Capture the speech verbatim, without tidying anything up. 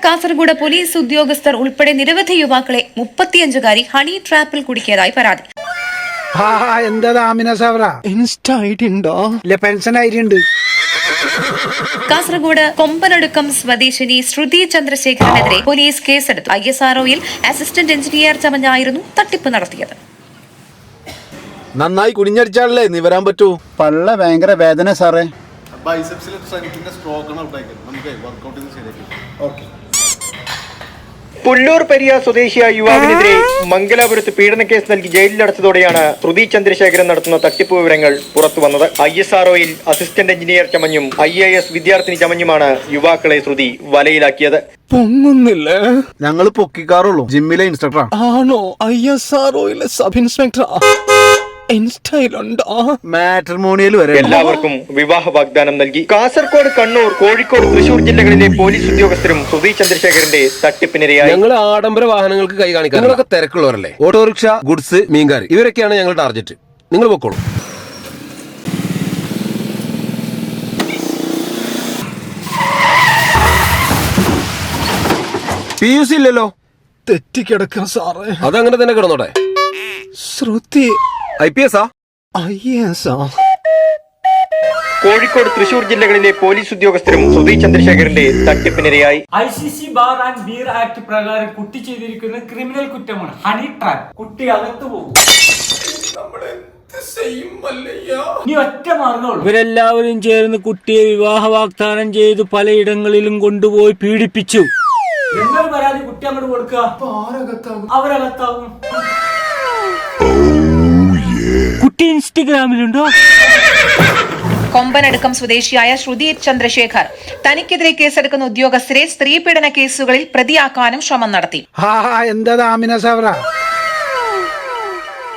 Kasaragod police ഉദ്യോഗസ്ഥർ ഉൾപ്പെടെ നിരവധി യുവാക്കളെ മുപ്പത്തിയഞ്ചുകാരി ഹണി ട്രാപ്പിൽ കുടുക്കിയതായി പരാതി. കാസർഗോഡ് കൊമ്പനടുക്കം സ്വദേശിനി ശ്രുതി ചന്ദ്രശേഖരനെതിരെ പോലീസ് കേസെടുത്തു. ഐ എസ് ആർ ഒയിൽ അസിസ്റ്റന്റ് എഞ്ചിനീയർ ചമഞ്ഞായിരുന്നു തട്ടിപ്പ് നടത്തിയത്. നന്നായി കുനിഞ്ഞടിച്ചാലേ നീ വരാൻ പറ്റൂ. പള്ള ഭയങ്കര വേദന സാറേ. പുല്ലൂർ പെരിയ സ്വദേശിയായ യുവാവിനെതിരെ മംഗലാപുരത്ത് പീഡനക്കേസ് നൽകി ജയിലിലടച്ചതോടെയാണ് ശ്രുതി ചന്ദ്രശേഖരൻ നടത്തുന്ന തട്ടിപ്പ് വിവരങ്ങൾ പുറത്തു വന്നത്. ഐ എസ് ആർ ഒയിൽ അസിസ്റ്റന്റ് എഞ്ചിനീയർ ചമഞ്ഞും ഐ എ എസ് വിദ്യാർത്ഥിനി ചമഞ്ഞുമാണ് യുവാക്കളെ ശ്രുതി വലയിലാക്കിയത്. പൊങ്ങുന്നില്ല, ഞങ്ങൾ പൊക്കിക്കാറുള്ളൂ. ജിമ്മിലെ ഇൻസ്ട്രക്ടർ ആണോ? ഐ എസ് ആർ ഒയിലെ സബ് ഇൻസ്പെക്ടർ മാട്രിമോണിയൽ വരെ എല്ലാവർക്കും വിവാഹ വാഗ്ദാനം നൽകി. കാസർഗോഡ്, കണ്ണൂർ, കോഴിക്കോട്, തൃശൂർ ജില്ലകളിലെ പോലീസ് ഉദ്യോഗസ്ഥരും ശ്രുതി ചന്ദ്രശേഖരന്റെ തട്ടിപ്പിനിരയായി. ഞങ്ങൾ ആഡംബര വാഹനങ്ങൾക്ക് കൈ കാണിക്കാൻ, നിങ്ങളൊക്കെ തിരക്കുള്ളവരല്ലേ. ഓട്ടോറിക്ഷ, ഗുഡ്സ്, മീൻകാരി, ഇവരൊക്കെയാണ് ഞങ്ങളുടെ ടാർഗറ്റ്. നിങ്ങൾ പൊക്കോളൂ. പി യു സി ഇല്ലല്ലോ. തെറ്റിക്കിടക്കാം സാറേ. അതങ്ങനെ തന്നെ കിടന്നോട്ടെ. ശ്രുതി ഐ പി എസ് ആ ഐ എസ് ആ കോഴിക്കോട്, തൃശൂർ ജില്ലകളിലെ പോലീസ് ഉദ്യോഗസ്ഥരും ശ്രുതി ചന്ദ്രശേഖരന്റെ തട്ടിപ്പിനിരയായി. I C C bar and beer act പ്രകാരം കുട്ടി ചെയ്തിരിക്കുന്ന ക്രിമിനൽ കുറ്റമാണ് ഹണി ട്രാപ്പ്. കുട്ടി അകത്തു പോകും. നീ ഒറ്റ മാർഗമുള്ളൂ. ഇവരെല്ലാവരും ചേർന്ന് കുട്ടിയെ വിവാഹ വാഗ്ദാനം ചെയ്തു പലയിടങ്ങളിലും കൊണ്ടുപോയി പീഡിപ്പിച്ചു. എന്നൊരു പരാതി കുട്ടി അങ്ങോട്ട് കൊടുക്കുക, അവരകത്താകും. കുട്ടി ഇൻസ്റ്റഗ്രാമിലുണ്ടോ? കൊമ്പനടുക്കം സ്വദേശിയായ ശ്രുതി ചന്ദ്രശേഖർ തനിക്കെതിരെ കേസെടുക്കുന്ന ഉദ്യോഗസ്ഥരെ സ്ത്രീപീഡന കേസുകളിൽ പ്രതിയാക്കാനും ശ്രമം നടത്തി. എന്താ